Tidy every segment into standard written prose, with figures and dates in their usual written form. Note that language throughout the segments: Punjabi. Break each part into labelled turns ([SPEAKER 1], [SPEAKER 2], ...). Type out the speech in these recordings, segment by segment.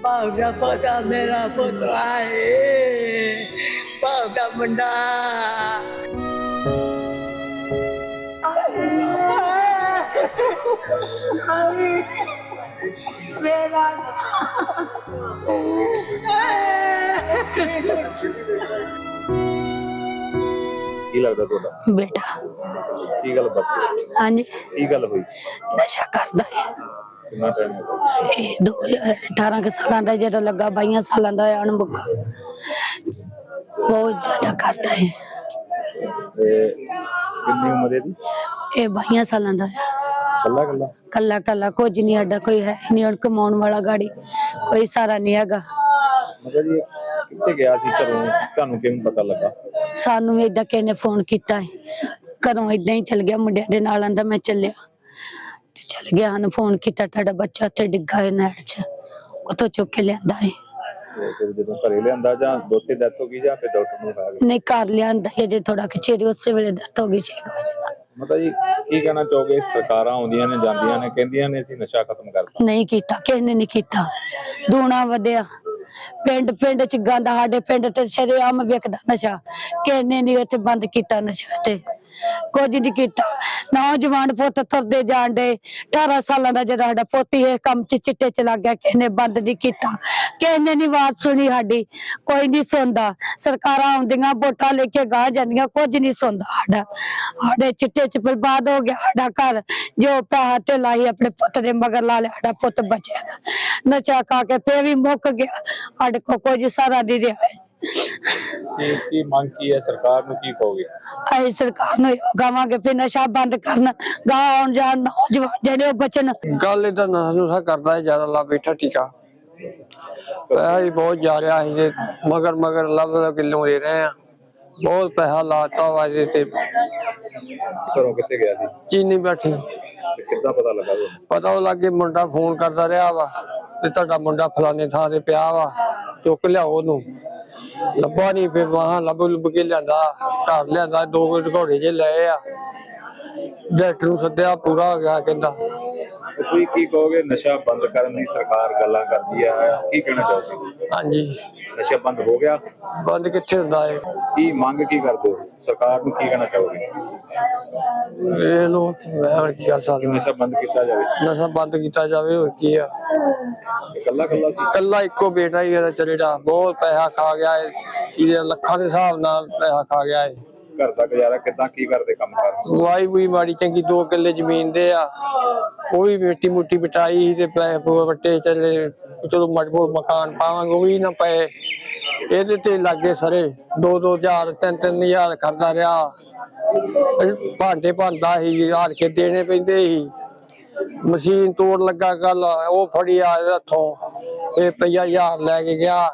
[SPEAKER 1] भावना पोता मेरा पुत्र है, भावना मुंडा मेरा
[SPEAKER 2] ਕੀ ਲੱਗਦਾ ਤੁਹਾਡਾ
[SPEAKER 3] बेटा।
[SPEAKER 2] ਕੀ ਗੱਲ ਬਾਤ
[SPEAKER 3] हाँ जी,
[SPEAKER 2] ਕੀ ਗੱਲ ਹੋਈ
[SPEAKER 3] नशा करता है।
[SPEAKER 2] ਕਿੰਨਾ ਟਾਈਮ ਹੋ ਗਿਆ
[SPEAKER 3] ਇਹ 2018 के साल का जो लगा 22 साल का है अणमुखा बहुत ज्यादा करता है।
[SPEAKER 2] ਤੇ ਕਿੰਨੀ ਉਮਰ ਹੈ ਦੀ
[SPEAKER 3] ये 22 साल का है।
[SPEAKER 2] ਕੱਲਾ ਕੱਲਾ
[SPEAKER 3] कला कला कुछ नहीं अड्डा कोई है नहीं और कमाने वाला गाड़ी कोई सारा नहीं हैगा।
[SPEAKER 2] ਮਤਲਬ ਜੀ ਕਿੱਥੇ ਗਿਆ ਸੀ ਘਰੋਂ ਤੁਹਾਨੂੰ ਕਿਵੇਂ ਪਤਾ ਲੱਗਾ
[SPEAKER 3] सानू भी इदा किसी ने फोन किया है घरों इदा ही चल गया मुंडिया दे नाल आंदा मैं चलिया ते चल गया सानू फोन किया तुहाडा बच्चा उत्थे डिग्गा है नहर च उतो चुक के लियांदा है।
[SPEAKER 2] ਤੇ ਫਿਰ ਜਦੋਂ ਘਰੇ ਲਿਆਂਦਾ ਜਾਂ ਦੋਤੇ ਡੈਥ ਹੋ ਗਈ ਜਾਂ ਫਿਰ ਡਾਕਟਰ ਨੂੰ ਖਾ ਗਏ
[SPEAKER 3] नहीं घर लियांदा है जे थोड़ा कचेरी उस वेले डेथ हो गई 6 बजे।
[SPEAKER 2] ਮਤਲਬ ਜੀ ਕੀ ਕਹਿਣਾ ਚਾਹੋਗੇ ਸਰਕਾਰਾਂ ਆਉਂਦੀਆਂ ਨੇ ਜਾਂਦੀਆਂ ਨੇ ਕਹਿੰਦੀਆਂ ਨੇ ਅਸੀਂ ਨਸ਼ਾ ਖਤਮ ਕਰਤਾ
[SPEAKER 3] नहीं किया किसी ने नहीं किया दूना वधिया पिंड पिंड च गंद साडे पिंड ते शरेआम विकदा नशा किसी ने नहीं इत्थे बंद किया नशा ते कुछ नहीं किया। नौजवान पुत तुरदे जान डे 18 साल का जो साडा पोती है कम च चिट्टे च लग गया किसी ने बंद नहीं किया किसी ने नहीं बात सुनी साडी कोई नहीं सुनता। सरकारां आउंदियां वोटां लेके गाह जांदियां कुछ नहीं सुनता साडा साडे चिट्टे च बर्बाद हो गया साडा घर जो पैसा ढेला ही अपने पुत दे मगर ला लिया साडा पुत बचया नशा खा के फिर भी मुक गया साडे को कुछ सारा नहीं रहा।
[SPEAKER 2] ਕੀ ਮੰਗ ਕੀ ਹੈ ਸਰਕਾਰ ਨੂੰ ਕੀ ਕਹੋਗੇ
[SPEAKER 3] ਅਸੀਂ ਸਰਕਾਰ ਨੂੰ ਕਹਾਂਗੇ ਫਿਰ ਨਸ਼ਾ ਬੰਦ ਕਰਨ ਗਾਂ ਆਉਣ ਜਾਣ ਨੌਜਵਾਨ ਜਿਹੜੇ ਉਹ ਬਚਣ।
[SPEAKER 4] ਗੱਲ ਇਹਦਾ ਨਸ਼ਾ ਕਰਦਾ ਹੈ ਜ਼ਿਆਦਾ ਲਾ ਬੈਠਾ ਟੀਕਾ ਪੈਸਾ ਹੀ ਬਹੁਤ ਜਾ ਰਿਹਾ ਸੀ ਤੇ ਮਗਰ ਮਗਰ ਲੱਭ ਕਿਲੋ ਦੇ ਰਹੇ ਆ ਬਹੁਤ ਪੈਸਾ ਲਾਤਾ ਵਾ ਇਹਦੇ ਤੇ
[SPEAKER 2] ਘਰੋਂ ਕਿੱਥੇ ਗਿਆ ਸੀ
[SPEAKER 4] ਚੀਨੀ ਬੈਠੀ
[SPEAKER 2] ਤੇ ਕਿੱਦਾਂ ਪਤਾ ਲੱਗਾ ਤੁਹਾਨੂੰ
[SPEAKER 4] ਪਤਾ ਲੱਗੇ ਮੁੰਡਾ ਫੋਨ ਕਰਦਾ ਰਿਹਾ ਵਾ ਤੇ ਤੁਹਾਡਾ ਮੁੰਡਾ ਫਲਾਣੇ ਥਾਂ ਤੇ ਪਿਆ ਵਾ ਚੁੱਕ ਲਿਆਓ ਉਹਨੂੰ ਲੱਭਾ ਨਹੀਂ ਫਿਰ ਵਾਹਾਂ ਲੱਭ ਕੇ ਲਿਆਂਦਾ ਘਰ ਲਿਆਂਦਾ 2 ਘੋੜੇ ਜੇ ਲਏ ਆ ਡਾਕਟਰ ਨੂੰ ਸੱਦਿਆ ਪੂਰਾ ਹੋ ਗਿਆ ਕਹਿੰਦਾ।
[SPEAKER 2] ਤੁਸੀਂ ਕੀ ਕਹੋਗੇ ਨਸ਼ਾ ਬੰਦ ਕਰਨ ਦੀ ਸਰਕਾਰ ਗੱਲਾਂ ਕਰਦੀ ਹੈ ਕੀ ਕਹਿਣਾ ਚਾਹੋਗੇ
[SPEAKER 4] ਹਾਂਜੀ
[SPEAKER 2] ਨਸ਼ਾ ਬੰਦ ਹੋ ਗਿਆ
[SPEAKER 4] ਬੰਦ ਕਿੱਥੇ ਹੁੰਦਾ ਹੈ
[SPEAKER 2] ਕੀ ਮੰਗ ਕੀ ਕਰਦੇ ਹੋ ਸਰਕਾਰ ਨੂੰ ਕੀ ਕਹਿਣਾ ਚਾਹੋਗੇ
[SPEAKER 4] ਵੇਖ ਲਓ ਮੈਂ ਹੁਣ ਕੀ ਕਰ ਸਕਦਾ
[SPEAKER 2] ਨਸ਼ਾ ਬੰਦ ਕੀਤਾ ਜਾਵੇ
[SPEAKER 4] ਨਸ਼ਾ ਬੰਦ ਕੀਤਾ ਜਾਵੇ ਹੋਰ ਕੀ ਆ
[SPEAKER 2] ਇਕੱਲਾ ਇਕੱਲਾ ਸੀ
[SPEAKER 4] ਕੱਲਾ ਇੱਕੋ ਬੇਟਾ ਹੀ ਇਹਦਾ ਚਲੇੜਾ ਬਹੁਤ ਪੈਸਾ ਖਾ ਗਿਆ ਹੈ ਇਹਦੇ ਲੱਖਾਂ ਦੇ ਹਿਸਾਬ ਨਾਲ ਪੈਸਾ ਖਾ ਗਿਆ ਹੈ।
[SPEAKER 2] ਘਰ ਦਾ ਗੁਜ਼ਾਰਾ ਕਿੱਦਾਂ ਕੀ ਕਰਦੇ ਕੰਮ ਕਰ
[SPEAKER 4] ਵਾਈ ਵੀ ਮਾੜੀ ਚੰਗੀ 2 ਕਿੱਲੇ ਜ਼ਮੀਨ ਦੇ ਆ ਉਹ ਵੀ ਮਿੱਟੀ ਮੁੱਟੀ ਬਿਟਾਈ ਤੇ ਪੈਸੇ ਵੱਟੇ ਚੱਲੇ ਚਲੋ ਮਜਬੂਰ ਮਕਾਨ ਪਾਵਾਂਗੇ ਉਹ ਵੀ ਨਾ ਪਏ ਇਹਦੇ ਤੇ ਲੱਗੇ ਸਾਰੇ 2-2000 3-3000 ਕਰਦਾ ਰਿਹਾ ਭਾਂਡੇ ਭਾਂਦਾ ਸੀ ਹਾਰ ਕੇ ਦੇਣੇ ਪੈਂਦੇ ਸੀ ਮਸ਼ੀਨ ਤੋੜ ਲੱਗਾ ਕੱਲ ਉਹ ਫੜੀ ਆ ਹੱਥੋਂ ਇਹ ਰੁਪਈਆ 1000 ਲੈ ਕੇ ਗਿਆ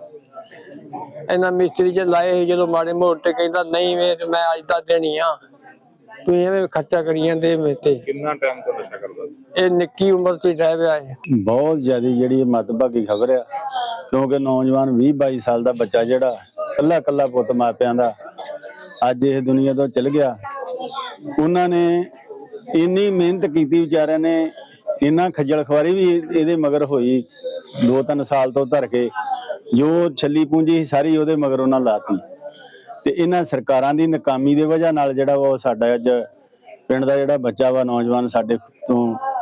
[SPEAKER 4] ਇਹਨਾਂ ਮਿਸਤਰੀ ਚ ਲਾਏ ਸੀ ਜਦੋਂ ਮਾੜੇ ਮੋਟੇ ਕਹਿੰਦਾ ਨਹੀਂ ਮੈਂ ਅੱਜ ਦਾ ਦੇਣੀ ਆ ਤੁਸੀਂ ਐਵੇਂ ਖਰਚਾ ਕਰੀ ਜਾਂਦੇ ਮੇਰੇ ਤੇ।
[SPEAKER 2] ਕਿੰਨਾ ਟਾਈਮ ਤੋਂ ਨਸ਼ਾ ਕਰਦਾ ਸੀ
[SPEAKER 4] ਇਹ ਨਿੱਕੀ ਉਮਰ ਚ ਰਹਿ ਪਿਆ ਹੈ
[SPEAKER 5] ਬਹੁਤ ਜ਼ਿਆਦਾ ਜਿਹੜੀ ਮੱਦਭਾਗੀ ਖਬਰ ਆ ਕਿਉਂਕਿ ਨੌਜਵਾਨ 20-22 ਸਾਲ ਦਾ ਬੱਚਾ ਜਿਹੜਾ ਕੱਲਾ ਕੱਲਾ ਪੁੱਤ ਮਾਪਿਆਂ ਦਾ ਅੱਜ ਇਹ ਦੁਨੀਆ ਤੋਂ ਚਲ ਗਿਆ। ਉਹਨਾਂ ਨੇ ਇੰਨੀ ਮਿਹਨਤ ਕੀਤੀ ਵਿਚਾਰਿਆਂ ਨੇ ਇੰਨਾ ਖੱਜਲ ਖਵਾਰੀ ਵੀ ਇਹਦੇ ਮਗਰ ਹੋਈ 2-3 ਸਾਲ ਤੋਂ ਧਰ ਕੇ ਜੋ ਛੱਲੀ ਪੂੰਜੀ ਸਾਰੀ ਉਹਦੇ ਮਗਰ ਉਹਨਾਂ ਲਾਤੀ ਤੇ ਇਹਨਾਂ ਸਰਕਾਰਾਂ ਦੀ ਨਾਕਾਮੀ ਦੇ ਵਜ੍ਹਾ ਨਾਲ ਜਿਹੜਾ ਵਾ ਸਾਡਾ ਅੱਜ ਪਿੰਡ ਦਾ ਜਿਹੜਾ ਬੱਚਾ ਵਾ ਨੌਜਵਾਨ ਸਾਡੇ ਤੋਂ